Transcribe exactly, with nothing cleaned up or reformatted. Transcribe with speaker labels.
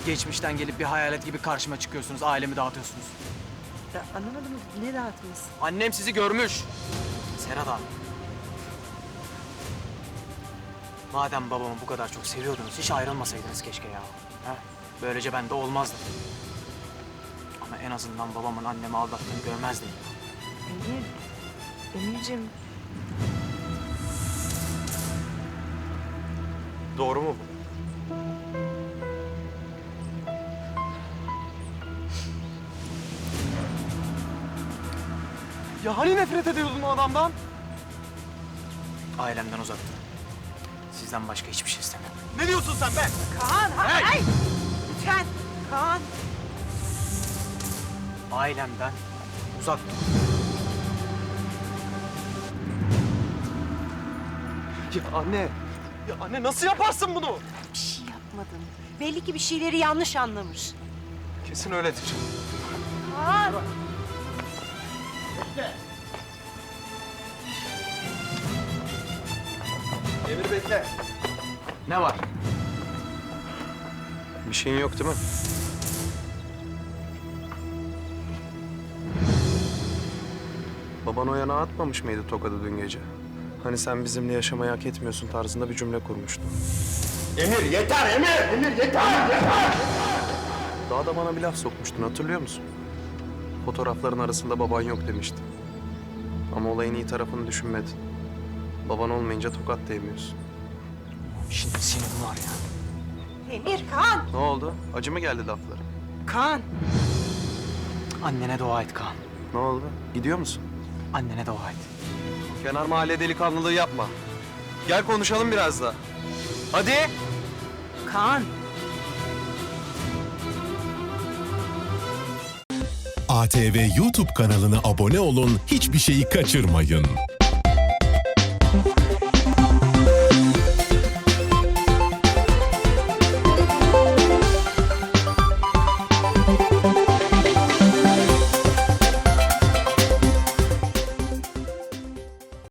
Speaker 1: Geçmişten gelip bir hayalet gibi karşıma çıkıyorsunuz, ailemi dağıtıyorsunuz.
Speaker 2: Ya anlamadım, ne dağıtması?
Speaker 1: Annem sizi görmüş. Serhat abi. Madem babamı bu kadar çok seviyordunuz, hiç ayrılmasaydınız keşke ya. Ha? Böylece ben de olmazdım. Ama en azından babamın annemi aldattığını görmezdim.
Speaker 2: Emir, Emir'cim.
Speaker 3: Doğru mu bu? Ya hani nefret ediyordun o adamdan?
Speaker 1: Ailemden uzak durun. Sizden başka hiçbir şey istemiyorum.
Speaker 3: Ne diyorsun sen be?
Speaker 2: Kaan, hayır! Hey! Lütfen, Kaan.
Speaker 1: Ailemden uzak durun.
Speaker 3: Ya anne, ya anne nasıl yaparsın bunu?
Speaker 2: Bir şey yapmadın. Belli ki bir şeyleri yanlış anlamış.
Speaker 3: Kesin öyledir.
Speaker 2: Kaan!
Speaker 3: Emir bekle.
Speaker 1: Ne var?
Speaker 3: Bir şeyin yok değil mi? Baban o yana atmamış mıydı tokadı dün gece? Hani sen bizimle yaşamayı hak etmiyorsun tarzında bir cümle kurmuştu.
Speaker 4: Emir yeter Emir! Emir yeter! Yeter!
Speaker 3: Daha da bana bir laf sokmuştun, hatırlıyor musun? Fotoğrafların arasında baban yok demiştin. Ama olayın iyi tarafını düşünmedin. Baban olmayınca tokat değmiyorsun.
Speaker 1: Şimdi senin var ya.
Speaker 2: Emir, Kaan!
Speaker 3: Ne oldu? Acı mı geldi lafları?
Speaker 2: Kaan!
Speaker 1: Annene dua et Kaan.
Speaker 3: Ne oldu? Gidiyor musun?
Speaker 1: Annene dua et.
Speaker 3: Kenar mahalle delikanlılığı yapma. Gel konuşalım biraz daha. Hadi.
Speaker 2: Kaan!
Speaker 5: A T V YouTube kanalına abone olun, hiçbir şeyi kaçırmayın.